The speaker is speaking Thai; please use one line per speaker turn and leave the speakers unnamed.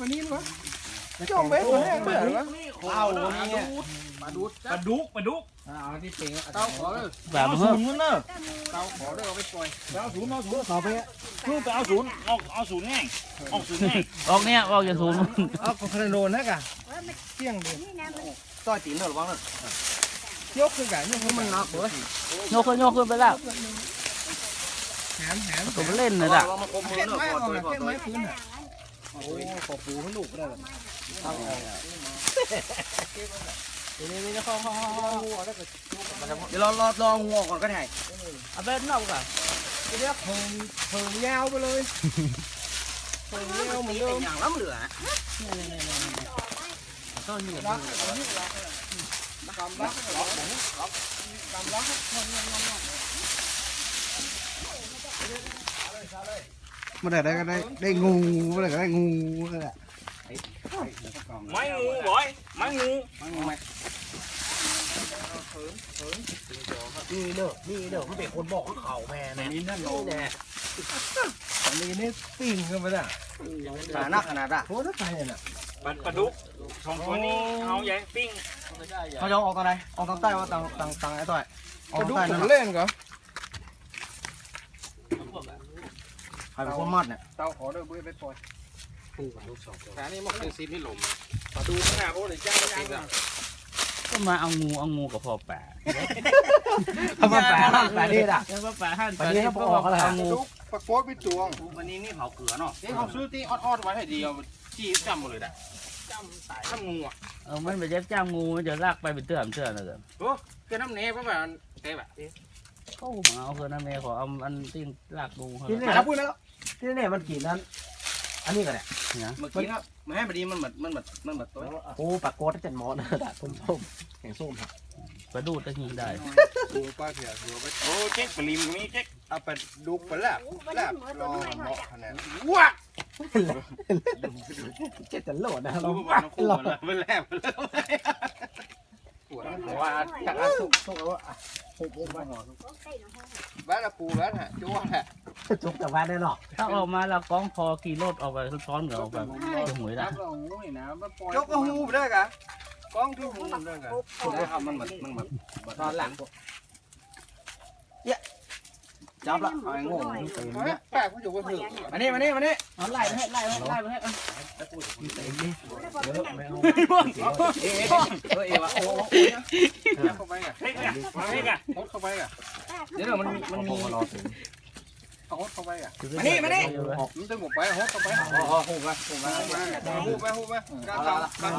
วันนี้มั้งจ้องเบ็ดมาแห้งเบื่อหรือวะ
เอาเนี่ยปลาดุกเอาที่เป็นเต้าขอเลยแบบเฮ้ยเนอะเต้าขอเลยเอาไปปล่อยเอาศูนย์ต่อไปลูกเอาศูนย์เอาศูนย์ง่ายออกศูนย์ง่ายออกเนี่ยออกจากศูนย์
เอาขนาดโดนนะกะเที่ยงเดียวต่อยตีนหน่อยบ้างเลยยกขึ้นกันยกขึ้นมันหนักเว้ย
โยกขึ้นไปแล้ว
แหม
ตัวเล่นเลยล่ะ
เก็บไม้ออกเก็บไม้พื้นอ่ะโอ้ยขอปูให้ลูกได้เลยนี่จะเข้าเดี๋ยวรองัวก่อนก็ได้
เอาไปนอกก่อน
เรียกเพิ่งยาวไปเลยเพิ่งยาวเหมือนเดิม
อย่างล้ำเหลือต้นนี้
ล็อกกำล็อกเมื่อไหร่ได้ก็ได้งูเมื่อไหร่ก็ได้งูนั่นแหละ
ไม้งูบ่อยไม้งู
นี่เด้อเขาเป็นคนบอกเขาแม่เนี่ยนี่นั่นแหละอันนี้นี่ปิ้งขึ้นไปน่ะ
หนักขนาดอ่ะ
โคตรไปน่ะ
ปลาดุกสองตัวนี้เอาใหญ่ปิ้ง
เขาจะออกตอนไหนออกตอนใต้ว่าตังไอ้ต่อยออกใต้เล่นก่อนใครเป็นคนมัดเนี่ยเต้าขอเด้อบุ้ยไปปล่อยแต่นี่มันคือซีไม่หลมปลาดูขนาดโอ้ยจ้าง
ก็มาเอางูกับพอป่า
เอามาป่านี่ด่ะ
แล้วก็ป่าหั่น
ป่านี่ก็ออกอะไร
งู
ปลาโคตรไปจวง
วันนี้นี่เผาเกลือเนาะ
นี่เขาซื้อที่ออดไว้ให้ดีเอาจี้จำหมดเลยด่ะจำสายจำงูอ่ะ
มันไปจ้างงูมันจะลากไปเป็นเตือนเลย
โอ้เกินน้ำเนยเพราะว่าเตะแบบ
เขาเอาคือน้ำเมย์ขอเอาอันที่ลากงู
ที่นี่ครับพูดแล้วที่นี่มันกี่นั้นอันนี้ก็แหละ
เมื่อกี้ครับมาให้พอดีมันเหมือนตัว
โอ้ปลาโกดจันมอนะด่ะส้มแข็งส้มครับ
ปลาดูตะหิงได้
ดูปลาเสียดูไป
โอ้เจ๊กปลิมมีเจ๊ก
เอาไปดูไปแล้วรอเหมาะขนาดว้าเจ็ดจะโหลดนะเรา
หลอดไปแล้ว
ว่าจากอันสุกแล้วปูบ้านบ้านละปูบ้านฮะจ้วงฮะจุกแต่บ้านได้หรอก
ถ้าออกมาเรากองพอขี่รถออกไปซ้อนกับออกไปจะหวยได้
ยกกระหูไปได้กะกองที่หูได้กะได้ครับมันตอนหลังจับละไอ้โง่แปลกมันอยู่บนถือมานี่
เอาไล่ไปให้ไล่ไปให้
เอวะโอ้เข้าไปอ่ะโคตรเข้าไปอ่ะเดี๋ยวมันมีเอาโคตรเข้าไปอ่ะมานี่มันจะหมดไปโคตรเข้าไปหูไปการ